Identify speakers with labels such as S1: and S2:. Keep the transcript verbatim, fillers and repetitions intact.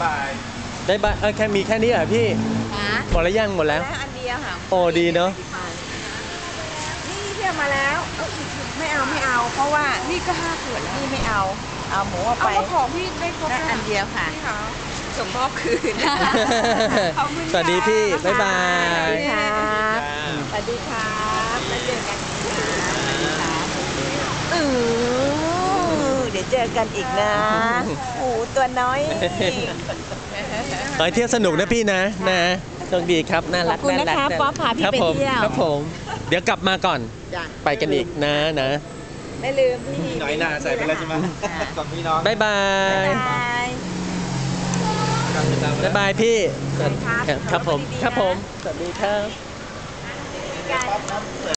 S1: บาย
S2: ได้บ้างเออแค่มีแค่นี้เหรอพี่หมดแล้วยังหมดแล้ว
S3: อันเดียวค่ะ
S2: โอ้ดีเนาะ
S3: นี่เที่ยวมาแล้วไม่เอาไม่เอา เพราะว่านี่ก็ห้าขวดนี่ไม่เอา เอาหมูเอาไป
S4: เอาของพี่ได้ครบ
S3: นั่นอันเดียวค่ะ
S4: พี่คะส่งมอบคืน ขอบคุณ
S2: สวัสดีพี่ บ๊ายบาย
S3: สวัสดีครับสวัสดีครับแล้วเจอกันครับเออเดี๋ยวเจอกันอีกนะโอ้ตัวน้อย
S2: ขอให้เที่ยวสนุกนะพี่นะนะโชคดีครับน่ารัก
S3: ขอบคุณ
S2: น่ารัก
S3: นะคะ
S2: น่ารัก
S3: ป๊อปพาพี่
S2: ครับ
S3: ไป
S2: ผม
S3: เที่ยว
S2: ครับผม เดี๋ยวกลับมาก่อน
S3: จ้ะ
S2: ไปกันอีกนะนะ
S3: ไม่ลืมพี่
S1: น้อยหนาใส่ไปแล้วใช่ไหมกับพี่น้อง
S2: บ๊ายบาย
S3: บาย
S2: บ๊ายบายพี่
S3: ครับ
S2: ครับผม
S3: ดีๆนะ
S2: ครับผม สวัสดีครับ
S3: กัน